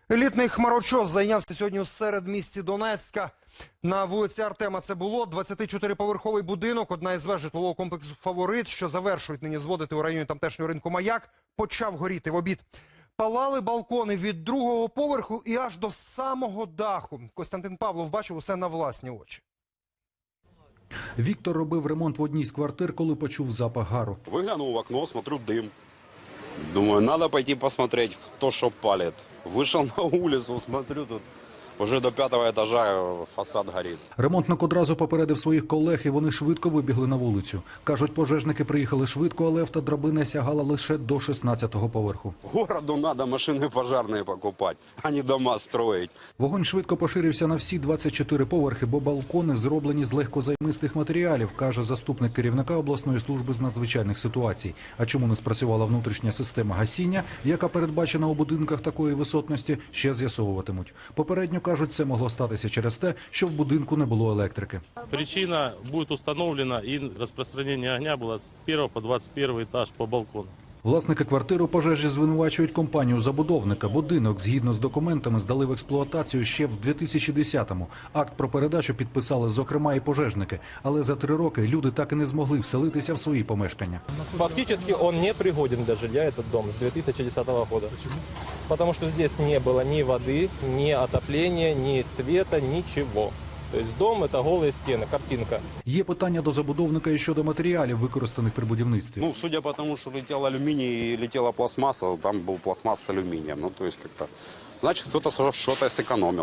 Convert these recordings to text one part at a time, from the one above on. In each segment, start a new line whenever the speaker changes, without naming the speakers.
Елітний хмарочос зайнявся сьогодні у середмісті Донецька. На вулиці Артема це було 24-поверховий будинок, одна із веж житлового комплексу «Фаворит», що завершують нині зводити у районі тамтешнього ринку «Маяк», почав горіти в обід. Палали балкони від другого поверху і аж до самого даху. Костянтин Павлов бачив усе на власні очі.
Віктор робив ремонт в одній з квартир, коли почув запах гару.
Выглянул в окно, смотрю дым. Думаю, надо пойти посмотреть, кто что палит. Вышел на улицу, смотрю, тут уже до 5-го этажа фасад горит.
Ремонтник одразу попередив своїх колег, і вони швидко вибігли на вулицю. Кажуть, пожежники приїхали швидко, але автодрабина сягала лише до 16-го поверху.
Городу надо машины пожарные покупать, а не дома строить.
Вогонь швидко поширився на всі 24 поверхи, бо балкони зроблені з легкозаймистих матеріалів, каже заступник керівника обласної служби з надзвичайних ситуацій. А чому не спрацювала внутрішня система гасіння, яка передбачена у будинках такої висотності, ще з'ясовуватимуть. Попередньо, кажуть, це могло статися через те, що в будинку не було електрики.
Причина будет установлена, и распространение огня было с 1 по 21 этаж по балкону.
Власники квартири у пожежі звинувачують компанію-забудовника. Будинок, згідно з документами, здали в експлуатацію ще в 2010-му. Акт про передачу підписали, зокрема, і пожежники. Але за 3 роки люди так і не змогли вселитися в свої помешкання.
Фактически он не пригоден для жилья, этот дом, с 2010 года. Почему? Потому что здесь не было ни воды, ни отопления, ни света, ничего. То есть дом – это голые стены, картинка.
Є питання до забудовника і щодо матеріалів, використаних при будівництві.
Ну, судя по тому, что летел алюминий и летела пластмасса, там был пластмасс с алюминием. Ну, то есть как-то, значит, кто-то что-то сэкономил.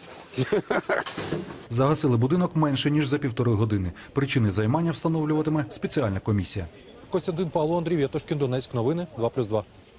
Загасили будинок менше, ніж за 1,5 години. Причини займання встановлюватиме спеціальна комісія.
Костянтин Павлов, Андрій Вєтошкін, Донецьк. Новини 2+2.